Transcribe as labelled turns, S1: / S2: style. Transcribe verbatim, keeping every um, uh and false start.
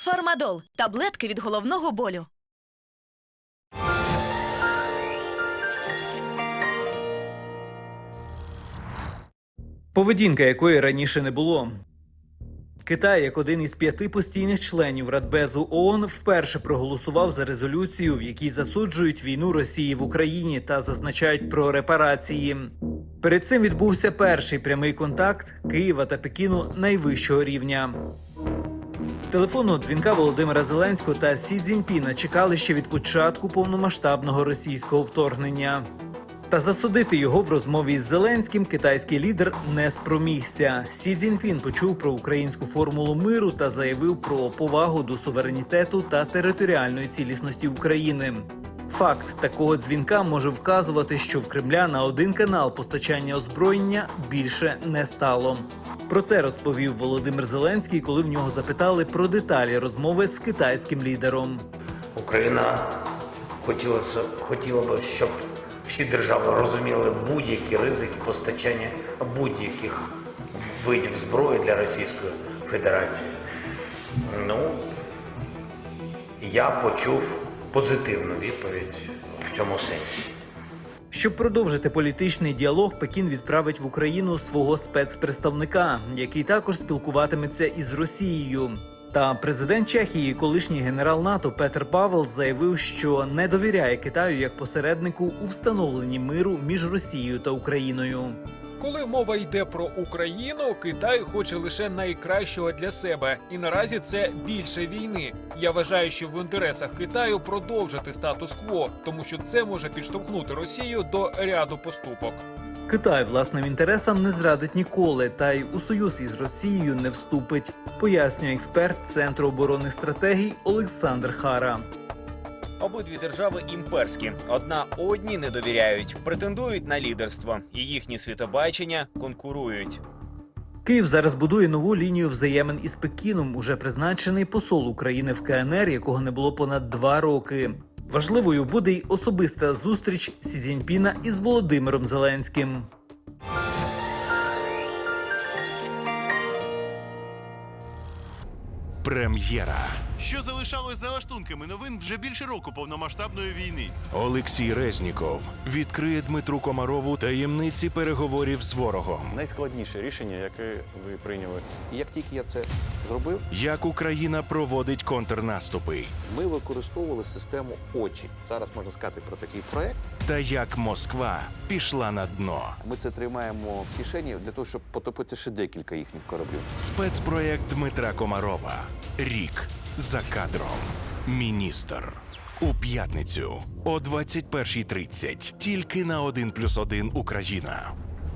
S1: Фармадол – таблетки від головного болю.
S2: Поведінка якої раніше не було. Китай, як один із п'яти постійних членів Радбезу ООН, вперше проголосував за резолюцію, в якій засуджують війну Росії в Україні та зазначають про репарації. Перед цим відбувся перший прямий контакт Києва та Пекіну найвищого рівня. Телефонного дзвінка Володимира Зеленського та Сі Цзіньпіна чекали ще від початку повномасштабного російського вторгнення. Та засудити його в розмові із Зеленським китайський лідер не спромігся. Сі Цзіньпін почув про українську формулу миру та заявив про повагу до суверенітету та територіальної цілісності України. Факт такого дзвінка може вказувати, що в Кремля на один канал постачання озброєння більше не стало. Про це розповів Володимир Зеленський, коли в нього запитали про деталі розмови з китайським лідером.
S3: Україна хотіла, хотіла б, щоб всі держави розуміли будь-які ризики постачання будь-яких видів зброї для Російської Федерації. Ну, я почув позитивну відповідь в цьому сенсі.
S2: Щоб продовжити політичний діалог, Пекін відправить в Україну свого спецпредставника, який також спілкуватиметься із Росією. Та президент Чехії, колишній генерал НАТО Петр Павел заявив, що не довіряє Китаю як посереднику у встановленні миру між Росією та Україною.
S4: Коли мова йде про Україну, Китай хоче лише найкращого для себе. І наразі це більше війни. Я вважаю, що в інтересах Китаю продовжити статус-кво, тому що це може підштовхнути Росію до ряду поступок.
S2: Китай власним інтересам не зрадить ніколи, та й у союз із Росією не вступить, пояснює експерт Центру оборонних стратегій Олександр Хара.
S5: Обидві держави імперські. Одна одній не довіряють, претендують на лідерство. І їхні світобачення конкурують.
S2: Київ зараз будує нову лінію взаємин із Пекіном, уже призначений посол України в КНР, якого не було понад два роки. Важливою буде й особиста зустріч Сі Цзіньпіна із Володимиром Зеленським.
S6: Прем'єра.
S7: Що залишалось за лаштунками новин вже більше року повномасштабної війни.
S6: Олексій Резніков відкриє Дмитру Комарову таємниці переговорів з ворогом.
S8: Найскладніше рішення, яке ви прийняли.
S9: І як тільки я це зробив,
S6: Як Україна проводить контрнаступи.
S9: ми використовували систему «Очі». Зараз можна сказати про такий проект.
S6: Та як Москва пішла на дно.
S9: Ми це тримаємо в кишені для того, щоб потопити ще декілька їхніх кораблів.
S6: Спецпроєкт Дмитра Комарова. Рік за кадром. Міністр. У п'ятницю о двадцять першій тридцять. Тільки на один плюс один Україна.